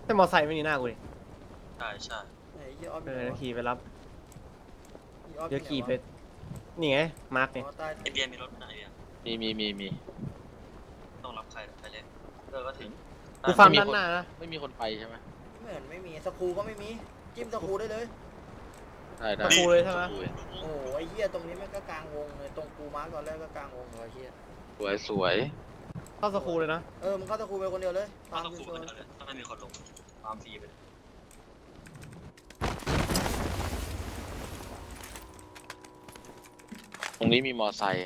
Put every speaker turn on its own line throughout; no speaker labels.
แต่มอไซค์ไม่มีหน้ากูดิ
ใช่ใช่
ไหนเหี้ยออฟ
ขี่ไปรับ
ออฟ
เดี๋ยวขี่ไปนี่ไงมาร์กเนี่ย
อ๋อใต้
ไอเบียร์มีรถไหนเบียร์
มี
ต้องรับใครไปเลยก็ถึง
กูฟาร์มด้านหน้านะ
ไม่มีคนไปใช่ไหม
ไม่เห็นไม่มีสกรูก็ไม่มีจิ้มสกรูได้เลย
ได้
กูเลยใช่ไหม
โอ้โหไอ้เหี้ยตรงนี้มันก็กลางวงเลยตรงกูมาร์กตอนแรกก็กลางวงเลยไอ้เหี้ย
สวย
เข้าสกูเลยนะ
มึงเข้าสกรูไปคนเดียวเลย
ต้อ
ตาง ม
ต้อง
กู
ขู่
ช
กัน
น
เลยถ้าไม่มีคนลงตามฟรีไปเลย
ตรงนี้มีมอไซค์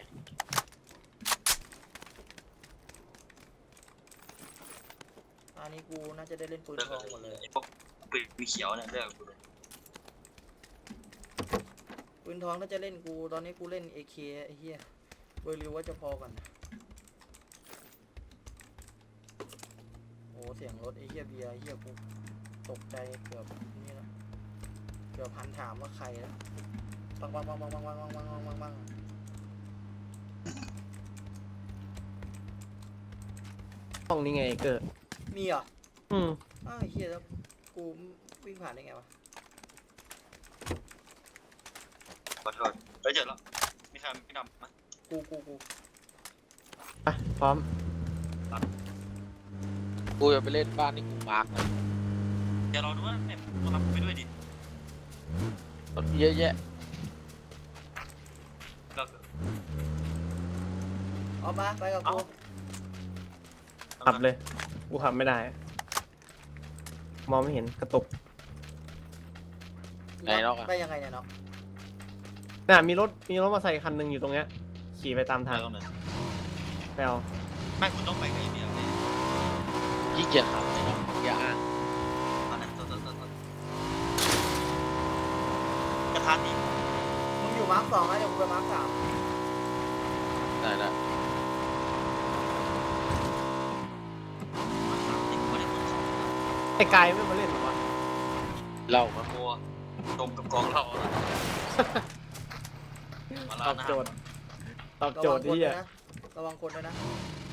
อันนี้กูน่าจะได้เล่นปืน
เลิก
ทองหมดเลย
ไอพวกปืนมีเขียวเนี่ยเลิกกูเลย
ปืนทองน่าจะเล่นกูตอนนี้กูเล่น AK ไอ้เหี้ยเบอร์ริวว่าจะพอกันโอ้เสียงรถไอ้เหี้ยเบียร์ไอ้เหี้ยกูตกใจเกือบนี่นะเกือบพันถามว่าใครนะปัง
ห้องนี้ไงเกิด
มีเหรอ
อืม
อ้าวไอ้เหี้ยแล้วกูวิ่งผ่านได้ไงวะ
ขอโทษเฮ้ยเจอแล้วมีใครไม่ดำไหม
กู
ไปพร้อม
กูจะไปเล่นบ้านที่กูมาร์กนะ
เดี๋ยวเราดูว่าเนี่ยต้องรับไปด้วยดิ
รถเยอะแยะ
เรา
เอามาไปกับกู
ขับเลยกูขับไม่ได้ มองไม่เห็นกระตุก
ไหนนอกอะ
ไปยังไงเนี่ยเนาะ
น่ะมีรถมาใส่คันหนึ่งอยู่ตรงเนี้ยขี่ไปตาม
ทา
ทาง ง
ตรงไหน
ไปเอา
ไม่คุณต้องไปกับไอเบียร์เลย
ขี้เกียจขับไหนนอกอย่าอ้าง
ตอนนั้นต้นกระทานดิ
มึงอยู่มาร์ค2นะเดี๋ยวกูไปมาร์ค3
ได้
ไอ้กายไม่มาเล่นหรอวะ
เล่ามา
โอ้ตรงกับกองเรามา
ต
ลา
อบ
นะ
โจทย์ตอบโจทย์ที่อ่ะ
ระวังคนด้วยนะ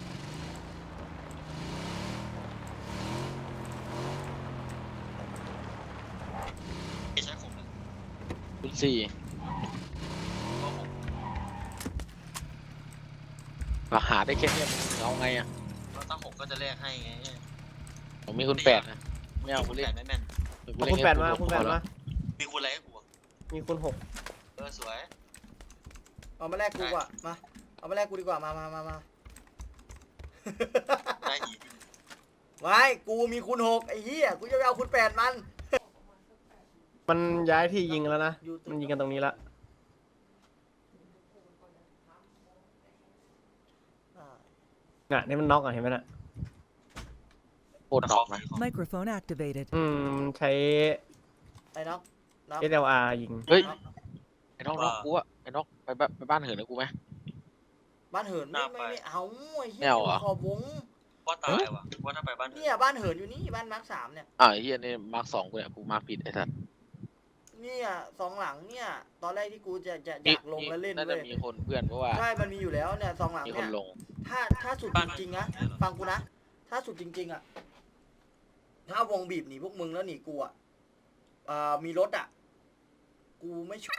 ใช้ผมเลย
คุณสี่
ก็ผม
มาหาได้แค่เนี้ยมึงเอาไงอะ
ก็ตั้งผมก็จะแลกให้ไง
ผมมีคุณแปดนะไม่เอา
คุ
กู
ณ
เล่น
แม่นไม่แม่น
เอาคุณแปดมาคุณแปดมา
มีคุณอะไรให้กู
มีคุณ6
สวย
เอามาแลกกูอ่ะมาเอามาแลกกูดีกว่ามา
ได้ดี
ไม่กูมีคูณ6ไอ้เหี้ยกูจะไปเอาคูณ8มัน
มันย้ายที่ยิงแล้วนะมันยิงกันตรงนี้ละน่ะนี่มันน็อกอ่ะเห็นไหมน่ะ
โคตรนอกนะ
Microphone activated.
ใช้
ไอ้น็อก
SLR ยิง
เฮ้ยไอ้นอกกูอะไอ้นอกไปบ้านเหินนะกูไหม
บ้านเหินไม่เอาไอ้เหี้
ไม่
ย
เอาเหรอ
ขอบวง
ว่าตายว่ะว่าถ้าไปบ้าน
เนี่ยบ้านเหินอยู่นี่บ้านมาร์ค3เนี่ย
ไอ้เฮียนี่มาร์ก2กูเนี่ยกูมาร์กผิดไอ้สัส
เนี่ย2หลังเนี่ยตอนแรกที่กูจะอยากลงแล้วเล่น
น่า
เล
จะ
ย
มีคนเพื่อนเพราะว่า
ใช่มันมีอยู่แล้วเนี่ย2หลัง
มีค
เนี่
น
ย
ลง
ถ้าสุดจริงๆนะฟังกูนะถ้าสุดจริงๆอ่ะถ้าวงบีบหนีพวกมึงแล้วหนีกูอ่ะมีรถอ่ะกูไม่ช่วย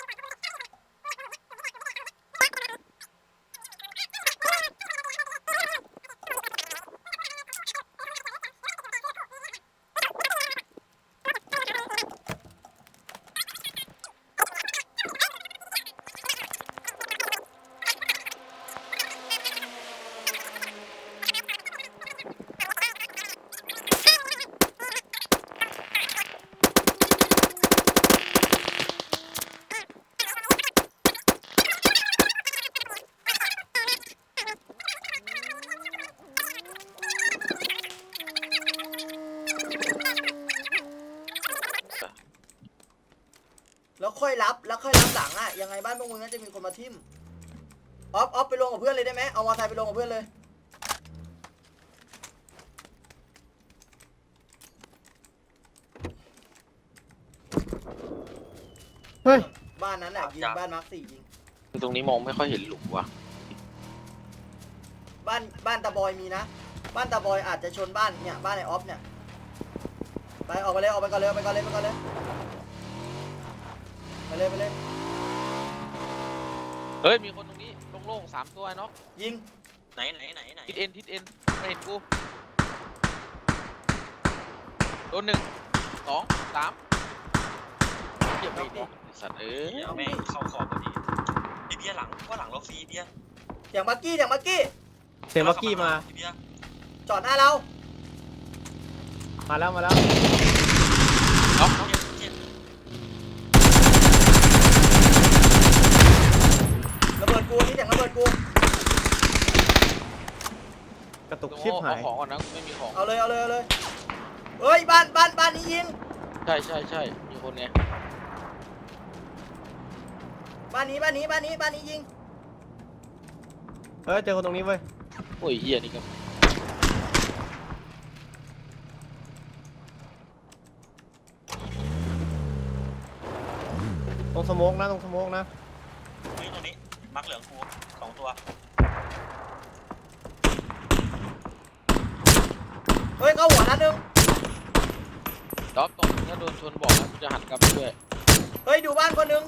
แล้วค่อยรับหลังอ่ะยังไงบ้านพวกมึงน่าจะมีคนมาทิ่มออฟไปลงกับเพื่อนเลยได้ไหมเอามอเตอร์ไซค์ไปลงกับเพื่อนเลย
เฮ้ย
บ้านนั้นแหละยิงบ้านมาร์ค4ยิง
ตรงนี้มองไม่ค่อยเห็นหลุมว่ะ
บ้านตาบอยมีนะบ้านตาบอยอาจจะชนบ้านเนี่ยบ้านไอออฟเนี่ยไปออกไปเลยออกไปก่อนเลยไปก่อนเลยไปก่อนเลยไปเลยไปเลย
เฮ้ยมีคนตรงนี้โล่งๆ3 ตัวไอ้น็อก
ยิง
ไหน
ทิศเอ็นไม่เห็นกูโดน1 2 3เก็บไปดิสัตว์
แม่งเข้าคอพอดีพี่เบียร์หลังว่าหลังเราฟรีเบียร์
เสียงบักกี้เสียงบักกี้
เสียงบักกี้มา
พี่เบียร์
จอดหน้าเรา
มาแล้วมาแล้ว
น็อก
เจ็บ
ระเบิดกูนี่เสียงระเบิดกู
กระตุกชิบหาย
เอาของก่อนนะกูไม่มีของ
เอาเลยเอาเลยเอาเลยเฮ้ยบ้านนี้ยิง
ใช่มีคนไง
บ้านนี้ยิง
เฮ้ยเจอคนตรงนี้เว้ย
โอ้ยเฮียนี่ก็
ตรงสโมกนะตรงสโมกนะ
ตรงนี้มักเหลืองกู2 ตัว
เฮ้ยเข้าหัวนัดนึง
ต๊อบตรงถ้าโดนชนบอกนะกูจะหันกลับไปด้วย
เฮ้ยดูบ้านคนนึง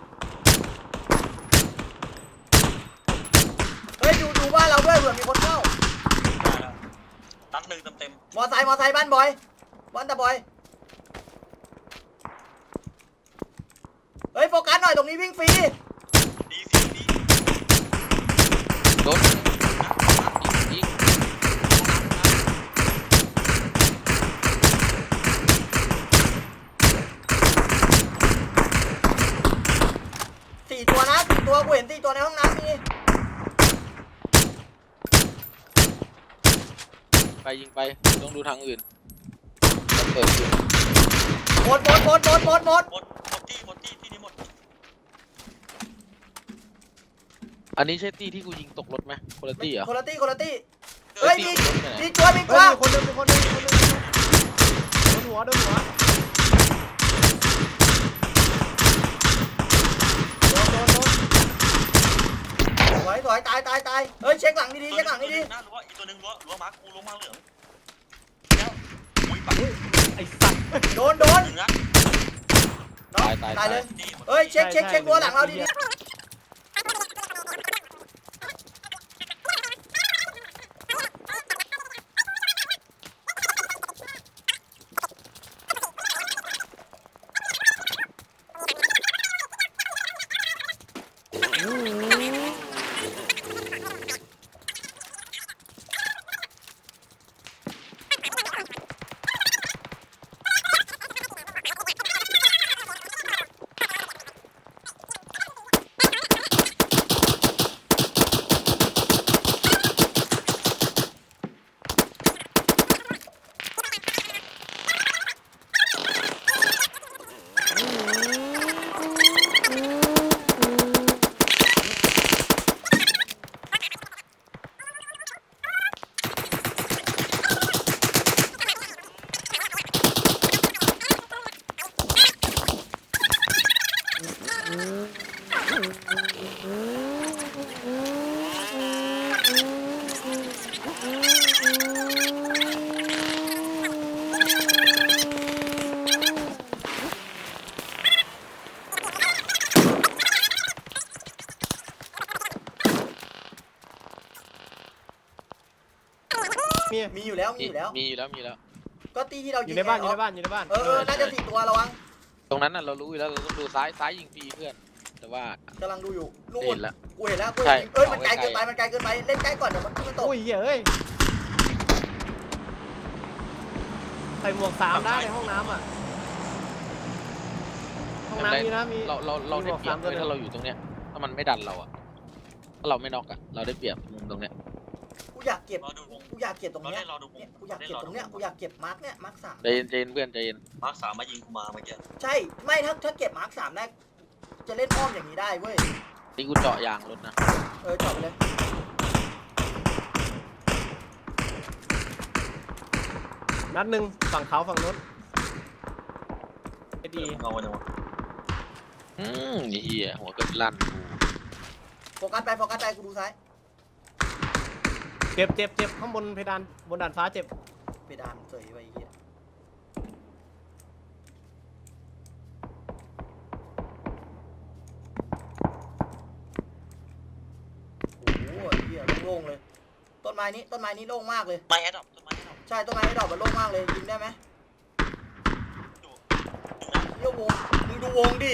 เฮ้ยดูบ้านเราด้วยเผื่อมีคนเข้า
ได้แล้วตัด1เต็ม
มอไซค์บ้านบอยบ้านตาบอยเฮ้ยโฟกัสหน่อยตรงนี้วิ่งฟรี
ดี
โดนยิง
4 ตัวนะ4 ตัวกูเห็น4 ตัวในห้องน้ำมี
ไปยิงไปต้องดูทางอื่นเปิดอยู่
หมด
หมดที่นี่หมด
อันนี้ใช่ตี้ที่กูยิงตกรถไหมคนละตี้เหรอ
คนละตี้เฮ้ยมีตัว
เฮ้ยมีคนหนึงโดนหัวโดน
ถอยตายเฮ้ยเช็คหลังดีๆเช็คหลังดี
น่ารู้ว่าอีกตัวนึงรั้วมาร์คกูรั้วมาเหลืองแล้วอุ้ยปัก
ไอ้สัตว์
ๆโดน
1นัด
ตายเลย
ดี
เฮ้ยเช็ครั้วหลังเราดีมีอยู่แล้ว ก็ตีที่เรา
อ
ยิ
ยู่
ง
ในบ้านอยู่ในบ้าน
น่าจะ4 ตัวระวัง
ตรงนั้นน่ะเรารู้อยู่แล้วเราต้องดูซ้ายยิงฟรีเพื่อนแต่ว่าก
ำลังดูอยู่นู่
เห็
น
นแล้ว
กูเห็นแล้ว
ใช่
เอ้ยมันไกลเกินไปเล่นใกล้ก่อนเดี๋ยวมันขึ้นมาตก
โอ้ยเฮ้ยใส่หมวก3ได้ในห้องน้ำอ่ะห้องน้ำมีนะมี
เราได้เปรียบเลยถ้าเราอยู่ตรงเนี้ยถ้ามันไม่ดันเราอะถ้าเราไม่น็อกอะเราได้เปรียบมุมตรงเนี้ย
กูอยากเก็บ
รอดูวง
ตรงเนี้ย
รอดูวง
กูอยากเก็บตรงเนี้ยกูอยากเก็บมาร์กเนี่ยมาร์ก
ใจเย็นเพื่อนใจเย็น
มาร์ค3มายิงกูมาเมื่อกี้
3ใช่ไม่ถ้าเก็บมาร์ก3ได้จะเล่นอ้อมอย่างนี้ได้เว้ย
นี่กูเจาะยางรถนะ
จอดไปเลย
นัดหนึ่งฝั่งเขาฝั่งนู้นไอ้ดี
เอาวันนี้วะ
เฮียหัวก็ลั่น
โฟกัสไปกูดูซ้าย
เจ็บข้างบนเพดานบนด่านฟ้าเจ็บ
เพดานเสยไปไอ้เหี้ยไม้นี้โล่งมากเลย
ไม้แอดดอปต้นไม้แอดดอป
ใช่ต้นไม้ดอกมันโล่งมากเลยยิงได้ไหม
อยู่
เยี่ยวงมึงดูวงดิ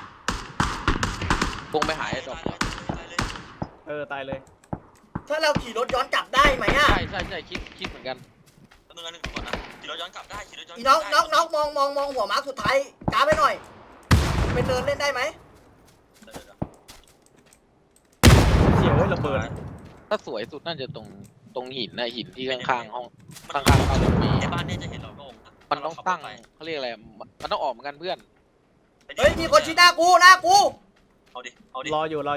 วงไปหายไอ้ดอกเหรอ
ตายเลย
ตายเลย
ถ้าเราขี่รถย้อนกลับได้ไหมอ่ะ
ใช่คิดเหมือนกัน
ต้นนึงอันหนึ่งก่อนนะขี่รถย้อนกลับได้ขี่รถย้อน
อีน้องมองหัวมาร์คสุดท้ายกราฟไปหน่อยเป็นเนินเล่นได้ไหม
เฉียวระเบิด
ถ้าสวยสุดน่าจะตรงหินนะหินที่ข้างๆห้องข้างๆเราจะมี
ในบ้านเนี่ยจะเห็นเราโล่ง
มันต้องตั้งเขาเรียกอะไรมันต้องออกเหมือนกันเพื่อน
เฮ้ยมีคนชี้หน้ากู
เอาดิ
รออยู่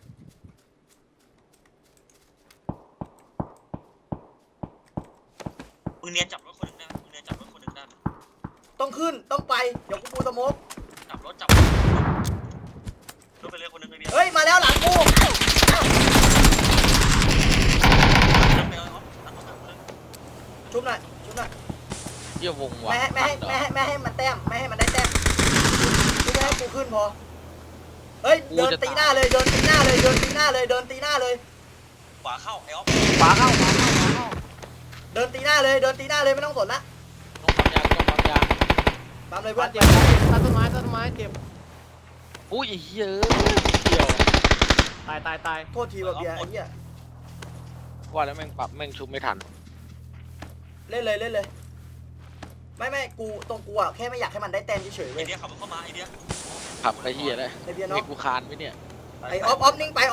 มึงเนียนจับรถคนหนึ่งได้ไหมมึงเนียนจับรถคนหนึ่งได้ไหม
ต้องขึ้นต้องไปเดี๋ยวกูปูสโมก
จับรถไปเลยคนหนึ่งไอ้เบี้ย
เฮ้ยมาแล้วหลังกู
จับไปเลยครับตั้งเขาเลย
ชุบหน่อย
เยี่ยวงว่ะ
ไม่ให้มันแต้มไม่ให้มันได้แต้มชุบไม่ให้กูขึ้นพอเฮ้ยเดินตีหน้าเลยเดินตีหน้าเลย
ขวาเข้าไอ้ออฟ
ขวาเข้า
เดินตีหน้าเลยไม่ต้องสนละ
ต้องความยาว
ตามเลยเพื่อน
เจ็บตัดต้นไม้เจ็บ
อุ้ยเหี้ยเกี่ยว
ตาย
โทษทีแบบเบียร์ไอ้เหี้ย
ว่าแล้วแม่งชุบไม่ทัน
เล่นเลยไม่กูตรงกูอ่ะแค่ไม่อยากให้มันได้แต้มเฉยๆ
ไอ
เว้ย
เดียขับเข้ามาไอเดีย
ขับไปเหี้ยเลย
ไอเบียร์
ให้
เนาะ
กูคานไปเนี่ย
ไอออฟนิ่งไป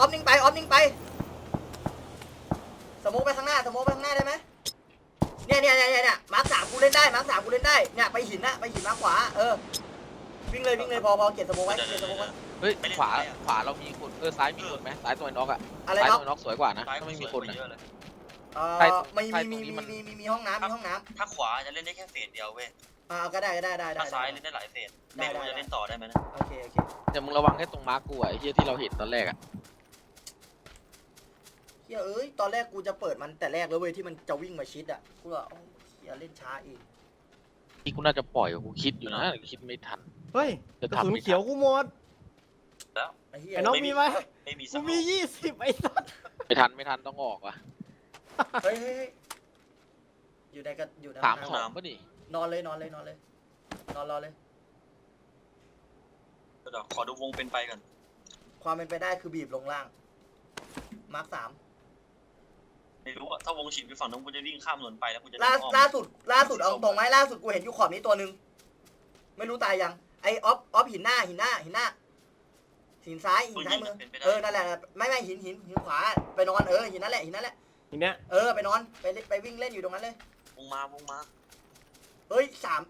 สโมกไปข้างหน้าได้ไหมเนี่ยมาร์คสามกูเล่นได้เนี่ยไปหินมาขวาวิ่งเลยพอเก็บสโมกไว้
เฮ้ยขวาเรามีคนซ้ายมีคนไหมซ้ายตัวน็อกอะ
อะไร
ซ้าย
เนาะ
ตัวน็อกสวยกว่านะถ้าไม่มีคนนะ
มีห้องน้ำ
ถ้าขวาจะเล่นได้แค่เฟสเดียวเว้ย
ก็ได้
ถ้าซ้ายเล่นได้หลายเฟสไม่รู้จะเล่นต่อได้ไหมนะ
โอเค
แต่มึงระวังแค่ตรงมาร์กกูอะไอ้เหี้ยที่เราเห็นตอนแรกอะ
เฮ้ยเอ้ยตอนแรกกูจะเปิดมันแต่แรกแล้วเว้ยที่มันจะวิ่งมาชิดอ่ะกูว่าเฮียเล่นช้าเอง
ที่กูน่าจะปล่อยกูคิดอยู่นะคิดไม่ทัน
เฮ้ยกระสุนเขียวกูหมด
ไอ้เฮีย
ไอ้น้องมีไหม
ไม่มี
กูมี20ไอ้สัส
ไม่ทันต้องออกว่ะ
เฮ้ยอยู่ในกันอยู่ใน
3-2ป่ะนี่
นอนรอเลย
เดี๋ยวขอดูวงเป็นไปกัน
ความเป็นไปได้คือบีบลงล่างมาร์ค 3
ไม่รู้อะถ้าวงฉีดไปฝั่งนู้นกูจะวิ่งข้ามถนนไปแล้วกูจะ
ล่าสุดเอาตรงไหมล่าสุดกูเห็นอยู่ขอบนี้ตัวนึงไม่รู้ตายยังไอออฟหินหน้าหินซ้ายมือนั่นแหละไม่หินขวาไปนอนหินนั่นแหละ
ทีเนี้ย
ไปนอนไปวิ่งเล่นอยู่ตรงนั้นเลยว
งมา
เฮ้ย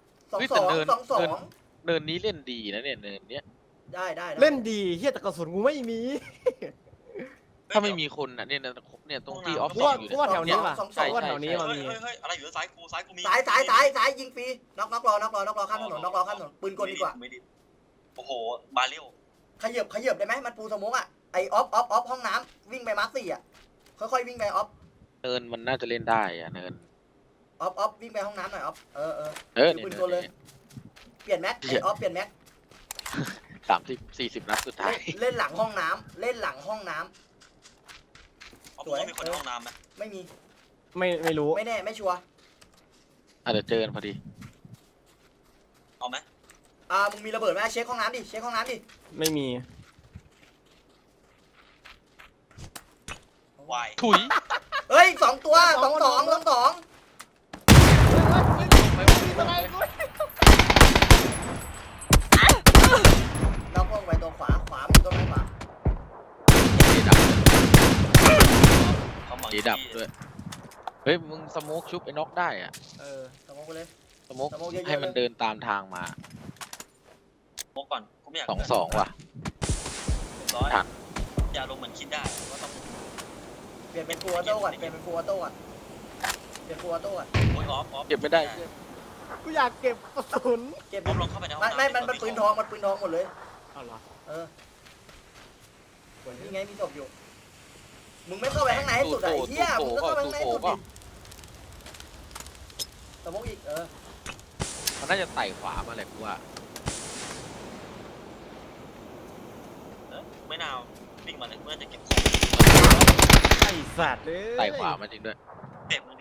2-2
เนินนี้เล่นดีนะเนี่ยเนินเนี้ย
ได้
เล่นดีเฮียแต่กระสุนกูไม่มี
ถ้าไม่มีคนอ่ะเนี่ยตรงที่ออฟ
กู
ฟิศ
ว่า
อยู่
กูว่าแถวนี้ว่ะ
ใช่
กูว่าแถวนี้มัน
เฮ้ย
มี
อะไรอยู่ซ้ายกูมี
ซ้ายยิงฟรีน็อกรอข้ามถนนปืนกลดีกว่า
โอ้โหบาเร็ว
ขยับได้ไหมมันปูสโมกอ่ะไอออฟห้องน้ำวิ่งไปมาร์ค 4อ่ะค่อยวิ่งไปออฟ
เนินมันน่าจะเล่นได้อะเนิน
ออฟวิ่งไปห้องน้ำหน่อยออฟ
เนี่ย
ปืนกลเลยเปลี่ยนแม็กไอออฟเปลี่ยนแม็ก
30-40 นัดสุดท้าย
เล่นหลังห้องน้ำ
สวยมีคนในห้องน้ำไหม
ไม่มี
ไม่รู้
ไม่แน่ไม่ชัวร์
อาจจะเจอกันพอดี
เอาไหม
มึงมีระเบิดไหมเช็คห้องน้ำดิ
ไม่มี
วาย
ถุย
เฮ้ย2 ตัว2 น็อกลงไปตัวขวามีตัวไหนขวา
เขาหมัง
ดีดับด้วยเฮ้ยมึงสโมกชุบไอ้น็อกได้อ่ะ
สโมกไปเลย
สโมกให้มันเดินตามทางมา
โมก่อนกูไม่อยาก
2-2 ว่ะ
ทันอย่าลงเหมือนคิดได้ว่าต้อง
เปลี่ยนเป็นฟูออโต้ก่อนโอ้ย
ออฟ
เก็บไม่ได้
กูอยากเก็บกระสุน
เก็บ
ออฟลงเข้าไปในห้องน้ำ
ไม่มันปืนทองหมดเลย
เอาเหรอ
นี่ไงมีศพอยู่มึงไม่เข้าไปข้างในให้สุดไอ้เหี้ยมึงก็เข้าไปข้างในให้สุดดิสโมกอีก
มันน่าจะไต่ขวามาแหละกูว่า
ไม่นาววิ่งมาเลยเมื่อจะเก็บ
ไอ้สัตว์เลย
ไต่ขวามาจริงด้วย
เจ็บมึง